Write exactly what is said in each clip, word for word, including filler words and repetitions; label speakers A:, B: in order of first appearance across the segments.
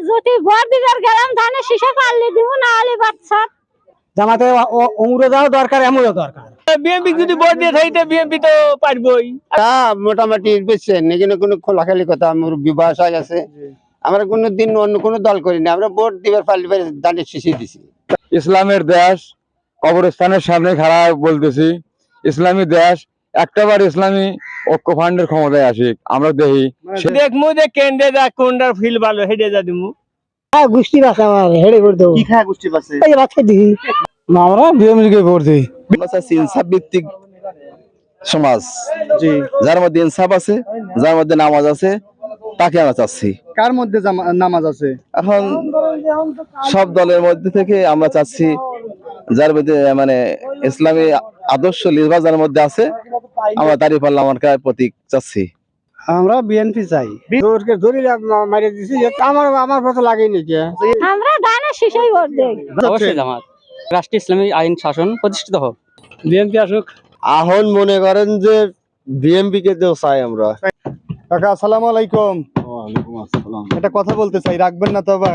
A: যদি ভোট দিবার গেলাম ধানের শীষে পারলে দিব, না হলে বাচ্চা
B: জামাতে অমরও যাওয়া দরকার, এমনও দরকার।
C: বিএনপি যদি ভোট দিয়ে থাকি বিএনপি তো পারবই।
D: মোটামুটি বুঝছেন, এখানে কোনো খোলাখালি কথা আমার বিবাহ হয়ে গেছে। আমরা কোনো দিন অন্য কোনো দল করিনি, আমরা ভোট দিবার পারলে ধানের শীষে দিছি।
E: ইসলামের দেশ, কবরস্থানের সামনে খাড়া বলতেছি, ইসলামী দেশ, একটাবার ইসলামী ঐক্য ফান্ডের ক্ষমতায় আসি আমরা দেখি।
C: দেখমু যে কেন্দ্রে যা কোনটার ফিল ভালো হেডে যা দিমু।
B: হ্যাঁ, গোষ্ঠী বাসা আমার হেড়ে করে দেবো।
D: কি খায় গোষ্ঠী পাশে?
B: এই বাচ্চা দিই না, আমরা বিএমপিকে ভোট দিই।
D: ইনসাফ ভিত্তিক সমাজ, জি, যার মধ্যে ইনসাফ আছে, যার মধ্যে নামাজ আছে, তাকে আমরা চাচ্ছি।
F: কার মধ্যে নামাজ আছে?
D: এখন সব দলের মধ্যে থেকে আমরা চাচ্ছি যার মধ্যে মানে ইসলামী আদর্শ লিবাস যার মধ্যে আছে, আমরা তারই পাল্লা আমার প্রতীক চাচ্ছি।
B: আমরা বিএনপি চাই। ধরে মারিয়ে দিছি, আমার আমার কথা লাগেই নাকি।
A: আমরা ধানের শীষেই ভোট দেই।
C: অবশ্যই জামাত। রাষ্ট্রীয় ইসলামী আইন শাসন প্রতিষ্ঠিত হোক,
B: বিএনপি আসুক।
D: এখন মনে করেন যে বিএমপি কে তো চাই আমরা।
F: কাকা আসসালামু আলাইকুম। একটা কথা বলতে চাই, রাখবেন না তো আবার?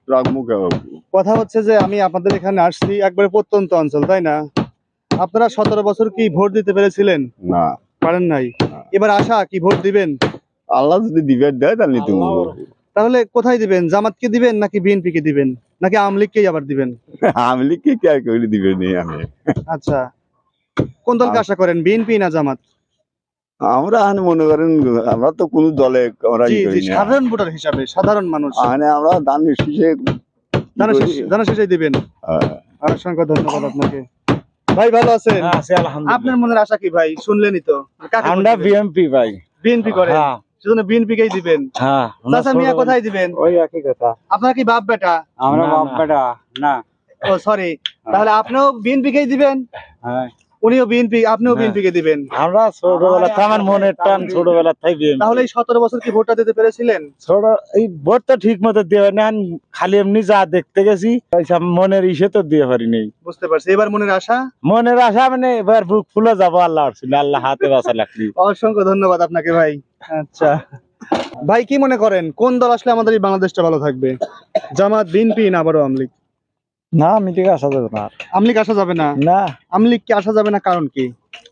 F: কথা হচ্ছে যে আমি আপনাদের এখানে আসছি, একবারে প্রত্যন্ত অঞ্চল, তাই না? আপনারা সতেরো বছর কি ভোট দিতে পেরেছিলেন?
D: না,
F: পারেন নাই। এবার আশা কি ভোট দিবেন?
D: আল্লাহ যদি দিবেন দেয় তাহলে নিতে।
F: তাহলে কোথায় দিবেন? জামাতকে দিবেন নাকি বিএনপি কে দিবেন নাকি আওয়ামী লীগকেই আবার দিবেন?
D: আওয়ামী লীগকে কে আর করে দিবেন আমি।
F: আচ্ছা, কোন দলকে আশা করেন, বিএনপি না জামাত?
D: আমরা মনে করেন আমরা তো কোন দলে আমরা
F: জি জি, সাধারণ ভোটার হিসাবে, সাধারণ মানুষ
D: মানে আমরা ধানের শীষে
F: ধানের শীষে দিবেন। অসংখ্য ধন্যবাদ আপনাকে। ভাই ভালো আছেন? আপনার মনের আশা কি ভাই? শুনলেনই তো,
E: আমরা বিএমপি ভাই।
F: বিএনপি করেন, সেজন্য বিএনপি কেই দিবেন।
E: হ্যাঁ,
F: চাচা মিয়া কোথায় দিবেন?
E: ওই একই কথা।
F: আপনার কি বাপ বেটা?
E: আমরা বাপ বেটা না।
F: ও সরি, তাহলে আপনিও বিএনপি কেই দিবেন?
E: হ্যাঁ,
F: উনিও বিএনপি, আপনিও বিএনপি কে দিবেন?
E: আমরা ছোটবেলা থেকে আমার মনের টান, ছোটবেলা থেকে বিএমপি।
F: তাহলে এই সতেরো বছর কি ভোটটা দিতে পেরেছিলেন?
E: ছোট এই ভোট তো ঠিক মতো দিয়ে হয় না, খালি এমনি যা দেখতে গেছি মনের ইসে তো দিয়ে পারিনি।
F: বুঝতে পারছি। এবার মনের আশা?
E: মনের আশা মানে এবার বুক ফুলে যাবো, আল্লাহ ছিল, আল্লাহ হাতে বাঁচা লাগলি।
F: অসংখ্য ধন্যবাদ আপনাকে ভাই। আচ্ছা ভাই, কি মনে করেন কোন দল আসলে আমাদের এই বাংলাদেশটা ভালো থাকবে? জামাত, বিএনপি না আবারও আওয়ামী লীগ?
E: না, আমি ঠিক আসা যাবে না।
F: আওয়ামী লীগ আসা যাবে না?
E: না।
F: আওয়ামী লীগ কি আসা যাবে না, কারণ কি?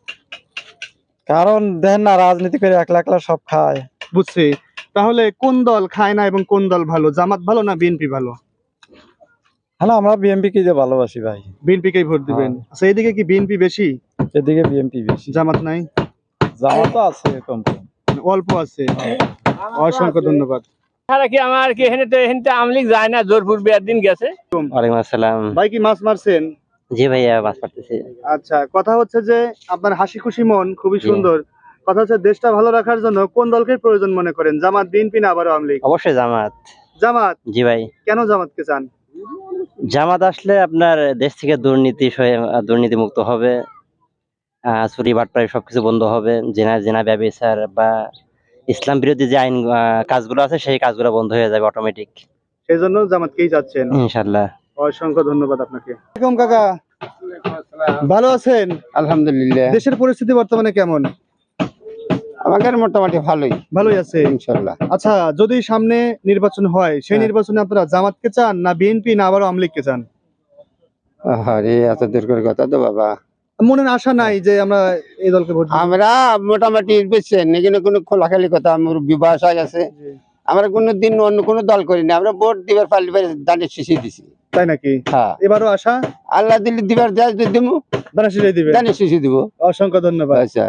E: কারণ দেখেন না, রাজনীতি করে একলা একলা সব খায়।
F: বুঝছি। তাহলে কোন দল খায় না এবং কোন দল ভালো? জামাত ভালো না বিএনপি ভালো?
E: হ্যাঁ, আমরা বিএমপি কে যে ভালোবাসি ভাই।
F: বিএনপি কেই ভোট দিবেন? আচ্ছা, এইদিকে কি বিএনপি বেশি?
E: এদিকে বিএমপি বেশি।
F: জামাত নাই?
E: জামাত তো আছে কম কম,
F: অল্প আছে। অসংখ্য ধন্যবাদ।
C: সারা কি আমার কি এখানে তো এখানে তো আওয়ামী লীগ যায় না, জোরপুর বিয়ার দিন গেছে।
G: ওয়ালাইকুম আসসালাম।
F: ভাই কি মাছ মারছেন?
G: জি ভাইয়া, মাছ মারতেছি।
F: আচ্ছা, কথা হচ্ছে যে আপনার হাসি খুশি মন খুবই সুন্দর। কথা হচ্ছে দেশটা ভালো রাখার জন্য কোন দলকে প্রয়োজন মনে করেন? জামাত, বিএনপি না আবার আওয়ামী লীগ?
G: অবশ্যই জামাত।
F: জামাত?
G: জি ভাই।
F: কেন জামাতকে চান?
G: জামাত আসলে আপনার দেশ থেকে দুর্নীতি দুর্নীতি মুক্ত হবে, আহ চুরি বাটপাড়ি সবকিছু বন্ধ হবে, জেনা জেনা ব্যবচার বা ইসলাম বিরোধী যে আইন কাজগুলো আছে সেই কাজগুলো বন্ধ হয়ে যাবে অটোমেটিক।
F: সেই জন্য জামাতকেই চাচ্ছেন?
G: ইনশাআল্লাহ।
F: অসংখ্য ধন্যবাদ আপনাকে। আসসালামু আলাইকুম কাকা, ভালো আছেন?
D: আলহামদুলিল্লাহ।
F: দেশের পরিস্থিতি বর্তমানে কেমন?
D: আমাদের মোটামুটি ভালোই
F: ভালোই আছে
D: ইনশাআল্লাহ।
F: আচ্ছা, যদি সামনে নির্বাচন হয় সেই নির্বাচনে আপনারা জামাতকে চান না বিএনপি না আবার আওয়ামী লীগকে চান?
D: আরে এত দূর করে কথা তো বাবা।
F: মনের আশা নাই যে আমরা এই দলকে ভোট দিব?
D: আমরা মোটামুটি বুঝছেন, এখানে কোনো খোলাখালি কথা আমার বিবাহ হয়ে গেছে। আমরা কোনো দিন অন্য কোনো দল করিনি, আমরা ভোট দিবার পারলে ধানের শীষে দিছি।
F: তাই নাকি?
D: হ্যাঁ,
F: এবারও আশা?
D: আল্লাহ দিলে দিবার দেয় দিমু,
F: ধানের শীষে দিবে?
D: ধানের শীষে দিব।
F: অসংখ্য ধন্যবাদ।
D: আচ্ছা,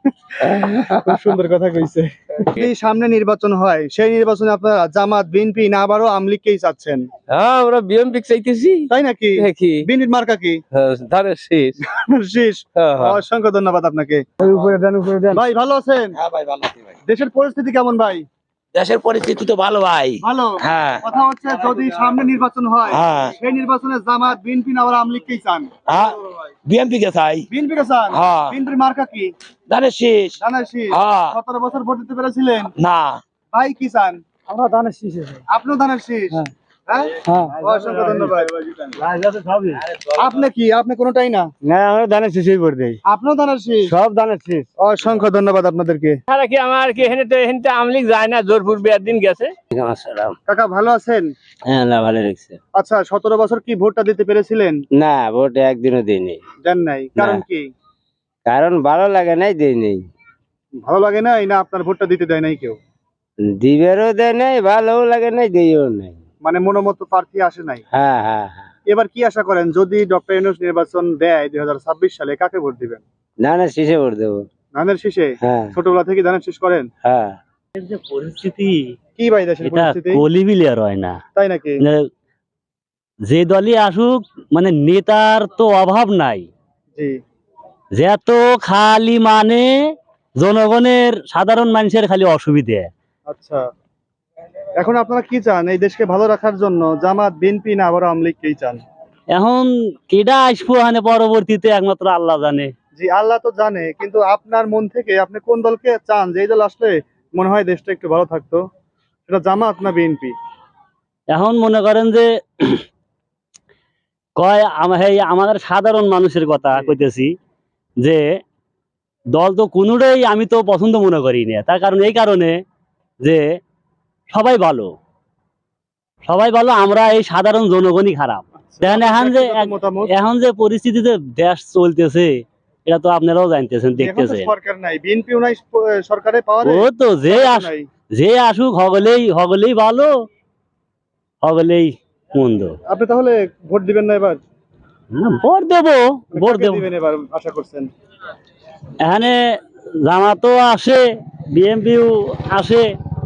F: খুব সুন্দর কথা কইছে। যদি সামনে নির্বাচন হয় সেই নির্বাচনে আপনারা জামাত, বিএনপি না আবারও আওয়ামী লীগকেই চাচ্ছেন?
C: হ্যাঁ, আমরা বিএমপি চাইতেছি।
F: তাই নাকি? বিএনপির মার্কা কি?
C: ধানের শীষ।
F: শীষ। অসংখ্য ধন্যবাদ আপনাকে। ভাই ভালো আছেন?
C: হ্যাঁ ভাই, ভালো আছি ভাই।
F: দেশের পরিস্থিতি কেমন ভাই?
C: দেশের পরিস্থিতি তো ভালো ভাই।
F: ভালো?
C: হ্যাঁ।
F: কথা হচ্ছে যদি সামনে নির্বাচন হয়
C: হ্যাঁ,
F: সেই নির্বাচনে জামাত, বিএনপি না আবার আওয়ামী লীগকেই চান?
C: হ্যাঁ, বিএমপি কে চাই।
F: বিএনপি কে চান?
C: হ্যাঁ।
F: বিএনপির মার্কা কি?
C: ধানের শীষ।
F: ধানের শীষ।
C: হ্যাঁ।
F: সতেরো বছর ভোট দিতে পেরেছিলেন?
C: না।
F: ভাই কি চান?
B: আমরা ধানের শীষ।
F: আপনিও ধানের শীষ? হ্যাঁ অসংখ্য ধন্যবাদ। আপনি কি আপনি কোনোটাই না?
B: না আমরা ধানের শীষই ভোট দেই,
F: আপনিও ধানের শীষ?
B: সব ধানের শীষ।
F: অসংখ্য ধন্যবাদ আপনাদেরকে।
C: তারা কি আমার কি এখানে তো এখানে তো আমলিক যায় না, জোর পূর্বে একদিন গেছে।
F: কাকা ভালো আছেন?
G: হ্যাঁ না ভালো লাগছে।
F: আচ্ছা সতেরো বছর কি ভোটটা দিতে পেরেছিলেন?
G: না ভোট একদিনও দিইনি,
F: দেন নাই, কারণ কি?
G: কারণ ভালো লাগে নাই, দিইনি।
F: ভালো লাগে নাই না আপনার ভোটটা দিতে দেয় নাই কেউ?
G: দিবেরও দেয় নাই, ভালোও লাগে নাই, দিইও নাই।
F: মানে মনোমত প্রার্থী আসে নাই।
G: হ্যাঁ হ্যাঁ হ্যাঁ।
F: এবার কি আশা করেন যদি ডক্টর ইউনূস নির্বাচন দেয় দুই হাজার ছাব্বিশ সালে, কাকে ভোট দিবেন?
G: না না শীষে ভোট দেবো।
F: ধানের শীষে?
G: হ্যাঁ
F: ছোটবেলা থেকে ধানের শীষ করেন?
G: হ্যাঁ।
H: পরিস্থিতি
F: কি ভাই দেশের
H: এটা
F: পরিস্থিতি?
H: কলিবিলিয়ার হয় না,
F: তাই নাকি?
H: মানে যে দলই আসুক মানে নেতার তো অভাব নাই,
F: জি
H: যে এত খালি মানে জনগণের সাধারণ মানুষের খালি অসুবিধে।
F: আচ্ছা এখন আপনারা কি চান এই দেশকে ভালো রাখার জন্য? জামাত, বিএনপি না আবার আওয়ামী লীগ কেই চান?
H: এখন কেডা আসবো মানে পরবর্তীতে একমাত্র আল্লাহ জানে।
F: জি আল্লাহ তো জানে, কিন্তু আপনার মন থেকে আপনি কোন দলকে চান যে এই দল আসলে মনে হয় দেশটা একটু ভালো থাকতো? সেটা জামাত না বিএনপি?
H: এখন মনে করেন যে কয় আম- এই আমাদের সাধারণ মানুষের কথা কইতেছি, যে দল তো কোনোটাই আমি তো পছন্দ মনে করি না, তার কারণ এই কারণে যে সবাই ভালো, সবাই ভালো, আমরা এই সাধারণ জনগণই খারাপ। দেখেন এখন যে
F: ব্যক্তিগত মতামত।
H: এখন যে পরিস্থিতিতে দেশ চলতেছে এটা তো আপনারাও জানতেছেন,
F: এখন তো
H: দেখতেছেন।
F: সরকার নাই, বিএনপিও নাই সরকারে পাওয়ারে।
H: ও তো যে আস
F: নাই।
H: যে আসুক হগলেই হগলেই ভালো, হগলেই মন্দ।
F: আপনি তাহলে ভোট দিবেন না এবার?
H: হ্যাঁ, ভোট দেবো, ভোট
F: কাকে
H: দেবো।
F: দিবেন এবার আশা করছেন?
H: এখানে জামাতও আসে, বিএনপিও আসে,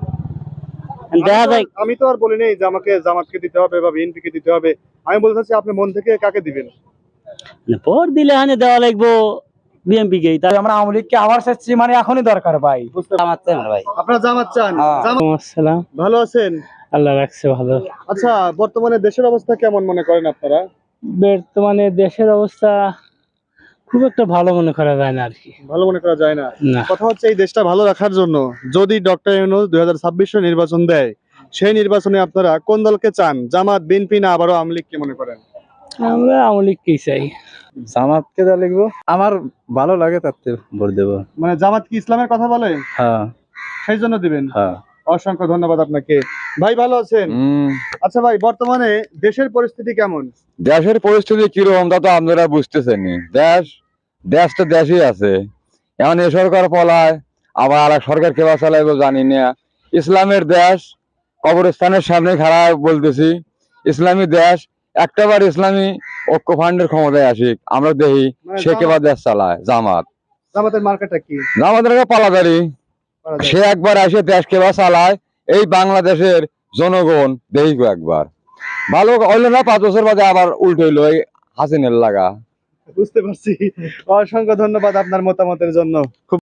H: দেখা
F: আমি তো
H: যায়।
F: আর- আমি তো আর বলি নাই যে আমাকে জামাতকে দিতে হবে বা বিএনপি কে দিতে হবে, আমি বলতে চাচ্ছি আপনি মন থেকে কাকে দিবেন?
H: ভোট দিলে এখানে দেওয়া লাগবো বিএনপি কেই। তাই
B: আমরা আওয়ামী লীগকে আবার চাচ্ছি, মানে এখনই দরকার ভাই।
G: ভাই
F: আপনারা জামাত চান? জামাত
H: আসসালাম,
F: ভালো আছেন?
H: আল্লাহ রাখছে ভালো।
F: আচ্ছা বর্তমানে দেশের অবস্থা কেমন মনে করেন আপনারা?
H: বর্তমানে দেশের অবস্থা খুব একটা ভালো মনে করা যায় না আর কি।
F: ভালো মনে করা যায় না।
H: না,
F: কথা হচ্ছে এই দেশটা ভালো রাখার জন্য যদি ডক্টর ইউনূস দুই হাজার ছাব্বিশ নির্বাচন দেয়, সেই নির্বাচনে আপনারা কোন দলকে চান? জামাত, বিএনপি না আবারও আওয়ামী লীগকে মনে করেন?
H: আমরা আওয়ামী লীগকেই চাই।
D: জামাতকে যা লিখবো, আমার ভালো লাগে তাতে ভোট দেবো।
F: মানে জামাত কি ইসলামের কথা বলে?
D: হ্যাঁ
F: সেই জন্য দিবেন?
D: হ্যাঁ।
F: অসংখ্য ধন্যবাদ আপনাকে। ভাই ভালো আছেন?
E: হম
F: আচ্ছা ভাই বর্তমানে দেশের পরিস্থিতি কেমন?
E: দেশের পরিস্থিতি কিরকম তা তো আপনারা বুঝতেছেন। দেশ দেশ তো দেশই আছে, এখন এ সরকার পলায়, আবার আর এক সরকার কেবা চালাইবো জানি না। ইসলামের দেশ, কবরস্থানের সামনে খাড়া বলতেছি, ইসলামী দেশ, একটাবার ইসলামী ঐক্য ফান্ডের ক্ষমতায় আসিক, আমরা দেখি
F: মানে
E: সে কেবা দেশ চালায়। জামাত
F: জামাতের মার্কেটটা কি?
E: জামাতের একটা পালাদারি,
F: করা যায়?
E: সে একবার আসে দেশ কেবা চালায়, এই বাংলাদেশের জনগণ দেখি একবার ভালো হইলো না, পাঁচ বছর বাদে আবার উল্টো হইলো এই হাসিনের লাগা।
F: বুঝতে পারছি। অসংখ্য ধন্যবাদ আপনার মতামতের জন্য। খুব